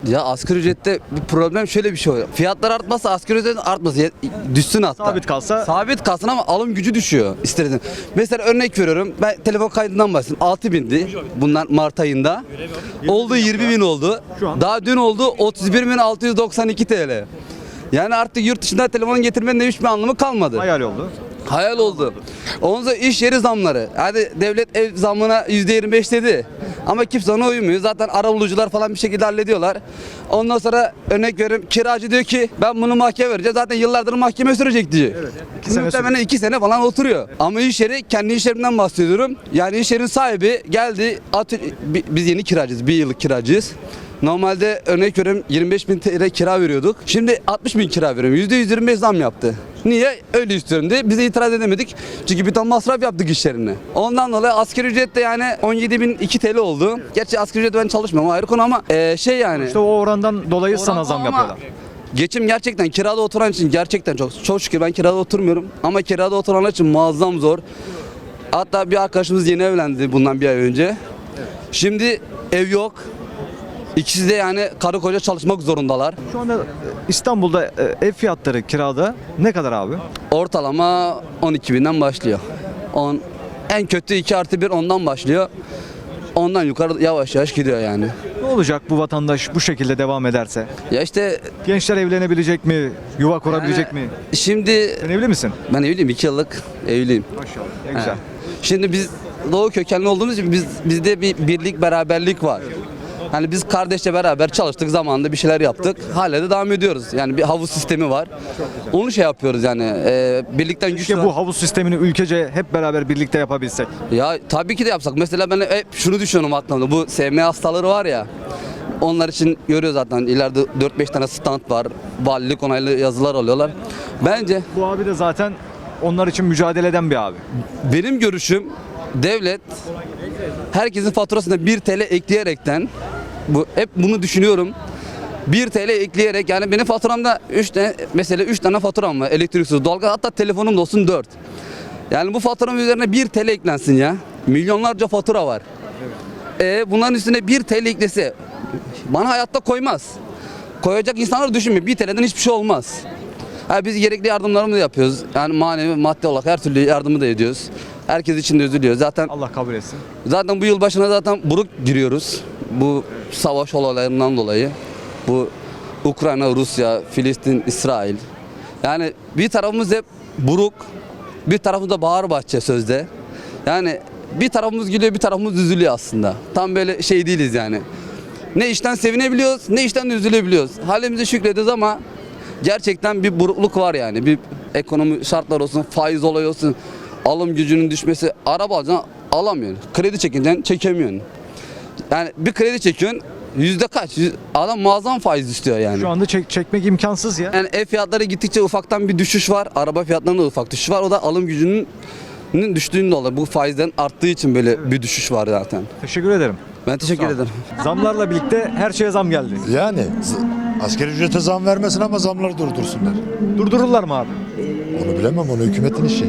Ya asgari ücrette bir problem şöyle bir şey oluyor. Fiyatlar artmazsa asgari ücret artmasın. Düşsün hatta. Sabit kalsa Sabit kalsın ama alım gücü düşüyor istersen. Mesela örnek veriyorum. Ben telefon kaydından bahsedeyim. 6.000'di bunlar Mart ayında. Oldu 20.000 oldu. Şu an- Daha dün oldu 31.692 TL. Yani artık yurt dışında telefon getirmenin de hiçbir anlamı kalmadı. hayal oldu. Hayal oldu. Ondan sonra iş yeri zamları. Hadi devlet ev zamına %25 dedi. Ama kimse ona uymuyor. Zaten arabulucular falan bir şekilde hallediyorlar. Ondan sonra örnek veriyorum kiracı diyor ki ben bunu mahkeme vereceğim. Zaten yıllardır mahkeme sürecek diyor. Evet. 2 sene Muhtemelen 2 sene falan oturuyor. Ama iş yeri kendi iş yerimden bahsediyorum. Yani iş yerinin sahibi geldi. Biz yeni kiracıyız. 1 yıllık kiracıyız. Normalde örnek veriyorum 25.000 TL kira veriyorduk. Şimdi 60.000 kira veriyorum. %125 zam yaptı. Niye? Öyle istiyorum diye. Bize itiraz edemedik. Çünkü bir ton masraf yaptık iş yerine. Ondan dolayı asgari ücret de yani 17.002 TL oldu. Gerçi asgari ücret ben çalışmıyorum ayrı konu ama şey yani. İşte o orandan dolayı sana zam Ama yapıyorlar. Geçim gerçekten kirada oturan için gerçekten çok şükür ben kirada oturmuyorum. Ama kirada oturanlar için muazzam zor. Hatta bir arkadaşımız yeni evlendi bundan bir ay önce. Şimdi ev yok. İkisi de yani karı koca çalışmak zorundalar. Şu anda İstanbul'da ev fiyatları kirada ne kadar abi? Ortalama 12.000'den başlıyor. En kötü 2+1 ondan başlıyor. Ondan yukarı yavaş yavaş gidiyor yani. Ne olacak bu vatandaş bu şekilde devam ederse? Ya işte Gençler evlenebilecek mi? Yuva kurabilecek mi? şimdi Sen evli misin? ben evliyim 2 yıllık evliyim. Maşallah. Ne güzel. Şimdi biz Doğu kökenli olduğumuz için bizde bir birlik beraberlik var. Hani biz kardeşle beraber çalıştık zamanında bir şeyler yaptık. Hala da devam ediyoruz. Yani bir havuz sistemi var. Onu şey yapıyoruz yani. Birlikten güç. Keşke bu havuz sistemini ülkece hep beraber birlikte yapabilsek. Ya tabii ki de yapsak. Mesela ben hep şunu düşünüyorum aklımda. Bu SMA hastaları var ya. Onlar için görüyor zaten. İleride 4-5 tane stand var. Valilik onaylı yazılar alıyorlar. Bence Bu abi de zaten onlar için mücadele eden bir abi. benim görüşüm devlet herkesin faturasına 1 TL ekleyerekten hep bunu düşünüyorum. 1 TL ekleyerek yani benim faturamda 3 tane faturam var. Elektriksiz, doğalgaz hatta telefonum da olsun 4. Yani bu faturanın üzerine 1 TL eklensin ya. Milyonlarca fatura var. Bunların üstüne 1 TL eklese bana hayatta koymaz. Koyacak insanlar düşünmüyor. 1 TL'den hiçbir şey olmaz. Biz gerekli yardımlarımızı da yapıyoruz. Yani manevi, maddi olarak her türlü yardımı da ediyoruz. Herkes için de üzülüyor. Allah kabul etsin. Zaten bu yıl başına zaten buruk giriyoruz. Bu savaş olaylarından dolayı. Bu Ukrayna, Rusya, Filistin, İsrail. Yani bir tarafımız hep buruk, bir tarafımız da bağır bahçe sözde. Yani bir tarafımız gülüyor, bir tarafımız üzülüyor aslında. Tam böyle şey değiliz yani. Ne işten sevinebiliyoruz, ne işten de üzülebiliyoruz. Halimize şükrediyoruz ama gerçekten bir burukluk var yani. Bir ekonomi şartlar olsun, faiz olayı olsun, alım gücünün düşmesi. Araba alacaksın, alamıyorsun. Kredi çekeceksin, çekemiyorsun. Yani bir kredi çekiyorsun, yüzde kaç? Adam muazzam faiz istiyor yani. Şu anda çekmek imkansız ya. Yani ev fiyatları gittikçe ufaktan bir düşüş var. Araba fiyatlarında da ufak düşüş var. O da alım gücünün düştüğünde dolayı. Bu faizden arttığı için böyle bir düşüş var zaten. Teşekkür ederim. Ben teşekkür ederim. Zamlarla birlikte her şeye zam geldi. Yani asgari ücrete zam vermesin ama zamları durdursunlar. Durdururlar mı abi? Onu bilemem, onu hükümetin işi.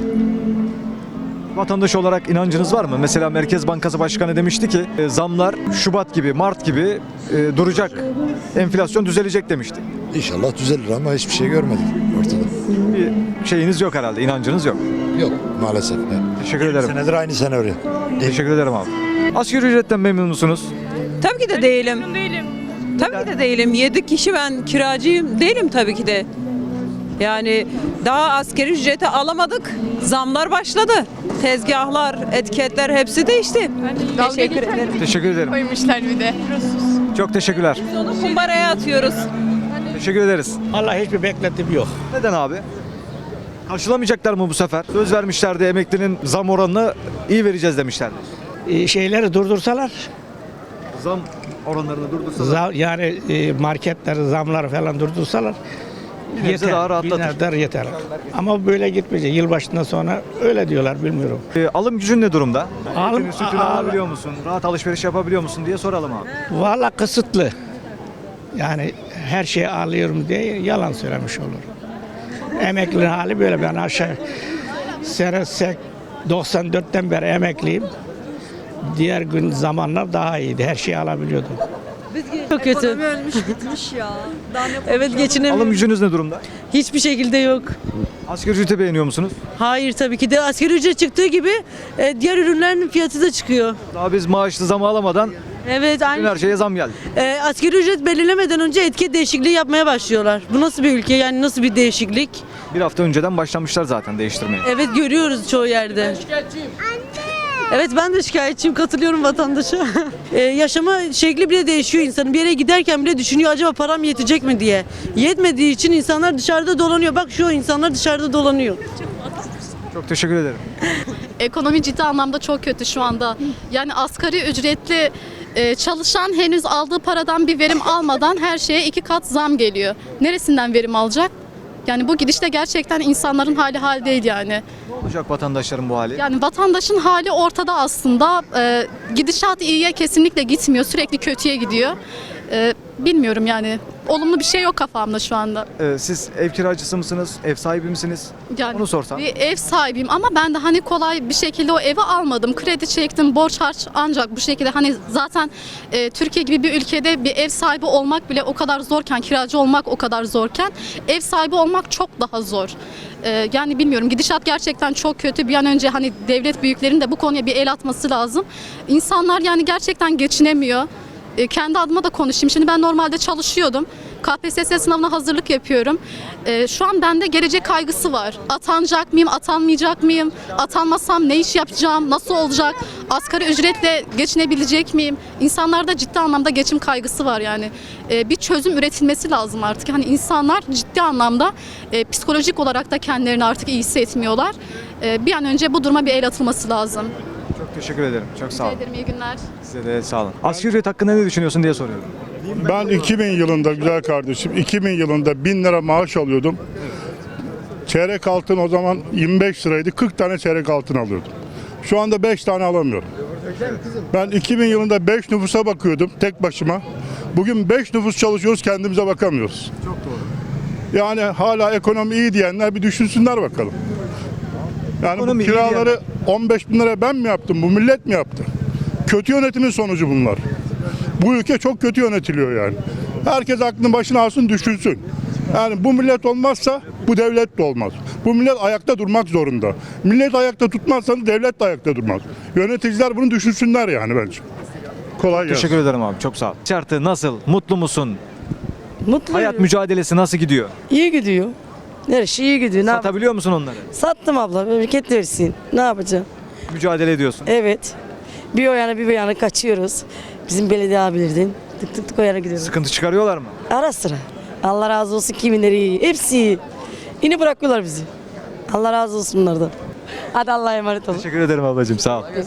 Vatandaş olarak inancınız var mı? Mesela Merkez Bankası Başkanı demişti ki zamlar Şubat gibi, Mart gibi duracak. Enflasyon düzelecek demişti. İnşallah düzelir ama hiçbir şey görmedik ortada. Bir şeyiniz yok herhalde, inancınız yok. Yok maalesef. Teşekkür ederim. Senedir aynı senaryo. Teşekkür ederim abi. Asgari ücretten memnun musunuz? Tabii ki de değilim. Tabii ki de değilim. 7 kişi ben kiracıyım. Değilim tabii ki de. Yani daha asgari ücreti alamadık. Zamlar başladı. Tezgahlar, etiketler hepsi değişti. Teşekkür ederim. Teşekkür ederim. Koymuşlar bir de. Çok teşekkürler. Onu kumbaraya atıyoruz. Teşekkür ederiz. Allah hiçbir beklentim yok. Neden abi? Karşılamayacaklar mı bu sefer? Söz vermişlerdi emeklinin zam oranını iyi vereceğiz demişlerdi. Şeyleri durdursalar, Zam oranlarını durdursalar. yani marketleri, zamları falan durdursalar Bir nebze daha rahatlatır. bir nebze yeter. Ama böyle gitmeyecek. Yılbaşından sonra öyle diyorlar, bilmiyorum. Alım gücün ne durumda? Alım- Etini, sütünü alabiliyor musun? Rahat alışveriş yapabiliyor musun diye soralım abi. Vallahi kısıtlı. Yani her şeyi alıyorum diye yalan söylemiş olur. Emeklinin hali böyle. Ben aşağı sene 94'ten beri emekliyim. Diğer gün zamanlar daha iyiydi. Her şeyi alabiliyordum. Çok kötü. Ölmüş gitmiş ya. Daha ne Evet geçinemiyorum. Alım gücünüz ne durumda? Hiçbir şekilde yok. Asgari ücreti beğeniyor musunuz? Hayır tabii ki de asgari ücret çıktığı gibi diğer ürünlerin fiyatı da çıkıyor. Daha biz maaşlı zamı alamadan Evet bütün aynı. her şeye zam geldi. Asgari ücret belirlemeden önce etiket değişikliği yapmaya başlıyorlar. Bu nasıl bir ülke yani nasıl bir değişiklik? Bir hafta önceden başlamışlar zaten değiştirmeye. Evet görüyoruz çoğu yerde. Evet ben de şikayetçiyim, katılıyorum vatandaşa. Yaşama şekli bile değişiyor insanın. Bir yere giderken bile düşünüyor acaba param yetecek mi diye. Yetmediği için insanlar dışarıda dolanıyor. Bak şu insanlar dışarıda dolanıyor. Çok teşekkür ederim. Ekonomi ciddi anlamda çok kötü şu anda. Yani asgari ücretli çalışan henüz aldığı paradan bir verim almadan her şeye 2 kat zam geliyor. Neresinden verim alacak? Yani bu gidişte gerçekten insanların hali değil yani. Ne olacak vatandaşların bu hali? Yani vatandaşın hali ortada aslında. Gidişat iyiye kesinlikle gitmiyor. Sürekli kötüye gidiyor. Bilmiyorum yani. Olumlu bir şey yok kafamda şu anda. Siz ev kiracısı mısınız? Ev sahibi misiniz? Yani Onu sorsam. bir ev sahibiyim ama ben de hani kolay bir şekilde o evi almadım. Kredi çektim, borç harç ancak bu şekilde hani zaten Türkiye gibi bir ülkede bir ev sahibi olmak bile o kadar zorken, kiracı olmak o kadar zorken ev sahibi olmak çok daha zor. Yani bilmiyorum gidişat gerçekten çok kötü. Bir an önce hani devlet büyüklerinin de bu konuya bir el atması lazım. İnsanlar yani gerçekten geçinemiyor. Kendi adıma da konuşayım. Şimdi ben normalde çalışıyordum. KPSS sınavına hazırlık yapıyorum. Şu an bende gelecek kaygısı var. Atanacak mıyım, atanmayacak mıyım? Atanmasam ne iş yapacağım, nasıl olacak? Asgari ücretle geçinebilecek miyim? İnsanlarda ciddi anlamda geçim kaygısı var yani. Bir çözüm üretilmesi lazım artık. Hani insanlar ciddi anlamda psikolojik olarak da kendilerini artık iyi hissetmiyorlar. Bir an önce bu duruma bir el atılması lazım. Çok teşekkür ederim. Çok sağ olun. Ederim, iyi günler. Size de sağ olun. Asgari ücret hakkında ne düşünüyorsun diye soruyorum. Ben 2000 yılında güzel kardeşim 2000 yılında 1000 lira maaş alıyordum. Çeyrek altın o zaman 25 liraydı. 40 tane çeyrek altın alıyordum. Şu anda 5 tane alamıyorum. Ben 2000 yılında 5 nüfusa bakıyordum tek başıma. Bugün 5 nüfus çalışıyoruz, kendimize bakamıyoruz. Çok doğru. Yani hala ekonomi iyi diyenler bir düşünsünler bakalım. Yani Ekonomi bu iyi kiraları 15 bin lira ben mi yaptım, bu millet mi yaptı? Kötü yönetimin sonucu bunlar. Bu ülke çok kötü yönetiliyor yani. Herkes aklını başına alsın, düşünsün. Yani bu millet olmazsa bu devlet de olmaz. Bu millet ayakta durmak zorunda. Millet ayakta tutmazsanız devlet de ayakta durmaz. Yöneticiler bunu düşünsünler yani bence. Kolay gelsin. Teşekkür ederim abi. Çok sağ ol. Şartı nasıl? Mutlu musun? Mutluyum. Hayat mücadelesi nasıl gidiyor? İyi gidiyor. Her şey iyi gidiyor. Ne Satabiliyor musun onları? Sattım abla. Memleket versin. Ne yapacağım? Mücadele ediyorsun. Evet. Bir o yana bir bu yana kaçıyoruz. Bizim belediye abilerden. Tık tık tık o yana gidiyoruz. Sıkıntı çıkarıyorlar mı? Ara sıra. Allah razı olsun kiminleri iyi. Hepsi iyi. Yine bırakıyorlar bizi. Allah razı olsun bunlardan. Hadi Allah'a emanet olun. Teşekkür ederim ablacığım. Sağ ol.